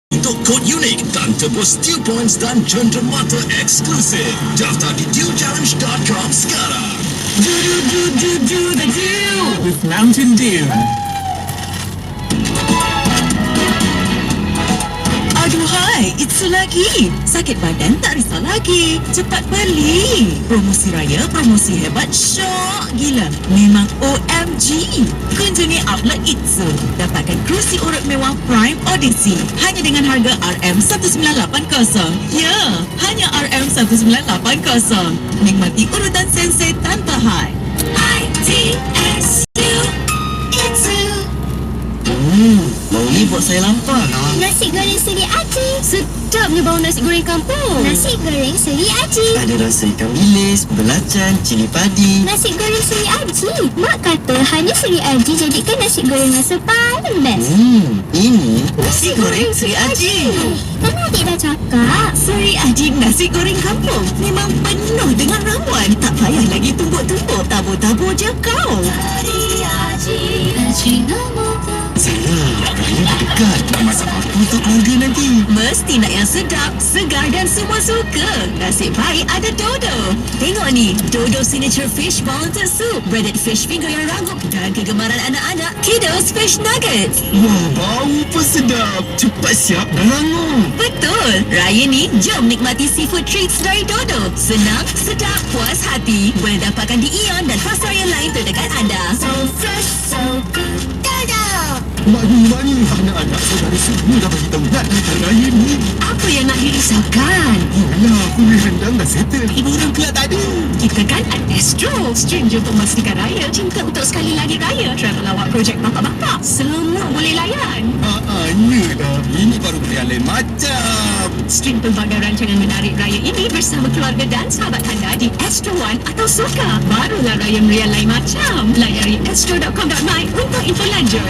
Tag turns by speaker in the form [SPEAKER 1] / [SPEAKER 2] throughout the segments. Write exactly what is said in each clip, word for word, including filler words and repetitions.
[SPEAKER 1] untuk kod unik dan tebus Deal Points dan cenderamata eksklusif. Daftar di deal challenge dot com sekarang.
[SPEAKER 2] Do do do do do the deal with Mountain Dew.
[SPEAKER 3] Aduhai, Itsu lagi. Sakit badan tak risau lagi. Cepat beli. Promosi raya, promosi hebat, syok gila. Memang O M G. Kunjungi outlet Itsu. Dapatkan kerusi urut mewah Prime Odyssey. Hanya dengan harga R M seribu sembilan ratus lapan puluh. Ya, hanya R M seribu sembilan ratus lapan puluh. Nikmati urutan sensei tanpa had. I T S U Itsu.
[SPEAKER 4] Hmm, bau ni buat saya lapar.
[SPEAKER 5] Nasi goreng Seri Aji. Sedapnya bau nasi goreng kampung. Nasi goreng Seri Aji.
[SPEAKER 4] Ada rasa ikan bilis, belacan, cili padi.
[SPEAKER 5] Nasi goreng Seri Aji. Mak kata hanya Seri Aji jadikan nasi goreng rasa paling best.
[SPEAKER 4] Hmm, ini
[SPEAKER 3] Nasi goreng Seri Aji.
[SPEAKER 5] Kan adik dah cakap.
[SPEAKER 3] Seri Aji nasi goreng kampung memang penuh dengan ramuan. Tak payah lagi tumbuk-tumbuk, tabur-tabur je kau.
[SPEAKER 5] Seri Aji. Aji nombor.
[SPEAKER 4] saya raya dekat. Nak masak apa untuk keluarga nanti?
[SPEAKER 3] Mesti nak yang sedap, segar dan semua suka. Nasib baik ada Dodo. Tengok ni, Dodo Signature Fish Wellington Soup, breaded fish finger yang rangup dan kegemaran anak-anak, Kiddos Fish Nuggets.
[SPEAKER 4] Wah, bau pun sedap. Cepat siap dan rangup.
[SPEAKER 3] Betul. Raya ni, jom nikmati seafood treats dari Dodo. Senang, sedap, puas hati. Boleh dapatkan di Ion dan pasar yang lain terdekat anda.
[SPEAKER 5] So fresh, so good. Dodo.
[SPEAKER 4] Mani-mani anak-anak saudara semua dah bagi tahu nak datang raya ni.
[SPEAKER 3] Apa yang nak dirisaukan?
[SPEAKER 4] Yalah, kuih rendang dah settle. Ibu orang pula tak ada.
[SPEAKER 3] Kita kan at Astro. Stranger untuk memastikan raya. Cinta untuk sekali lagi raya. Travel awak projek bapak-bapak. Semua boleh layan.
[SPEAKER 4] Haa, ya dah. Ini baru pilihan lain macam.
[SPEAKER 3] Stream pelbagai rancangan menarik raya ini bersama keluarga dan sahabat anda di Astro One atau Soka. Barulah raya meriah lain macam. Layari astro dot com dot my untuk info lanjut.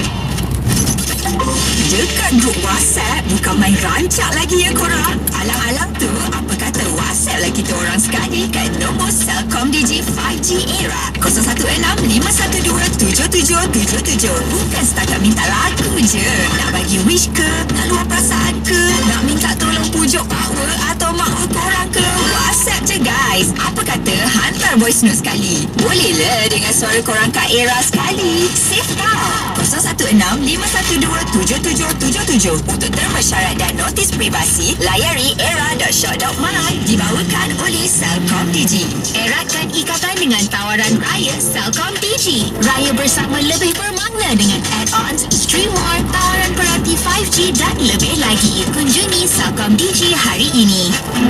[SPEAKER 3] Dekat grup WhatsApp bukan main rancak lagi ya korang. Alang-alang tu apa kata WhatsApp lah kita orang sekali kat nombor CelcomDigi lima G era kosong satu enam lima satu dua tujuh tujuh tujuh tujuh. Bukan setakat minta lagu je. Nak bagi wish ke? Nak luar perasaan ke? Nak minta tolong pujuk power atau mahu korang ke? WhatsApp je guys. Apa kata hantar voice note sekali? Boleh le dengan suara korang kat era sekali. Save tau. kosong satu enam lima satu dua tujuh tujuh tujuh tujuh. Untuk terma syarat dan notis privasi, layari era dot shop dot my. Dibawakan oleh CelcomDigi. Eratkan ikatan dengan tawaran raya CelcomDigi. Raya bersama lebih bermakna dengan add-ons, stream more, tawaran perhati lima G dan lebih lagi. Kunjungi CelcomDigi hari ini.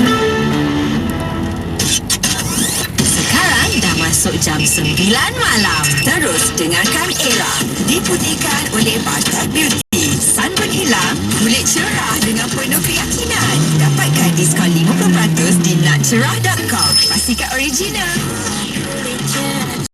[SPEAKER 3] Sekarang dah masuk jam sembilan malam. Terus dengarkan Era. Diputihkan oleh Bata Beauty. Sunburn hilang, kulit cerah dengan penuh keyakinan. Dapatkan diskaun lima puluh peratus di nat cerah dot com. Pastikan original. Kulit cerah.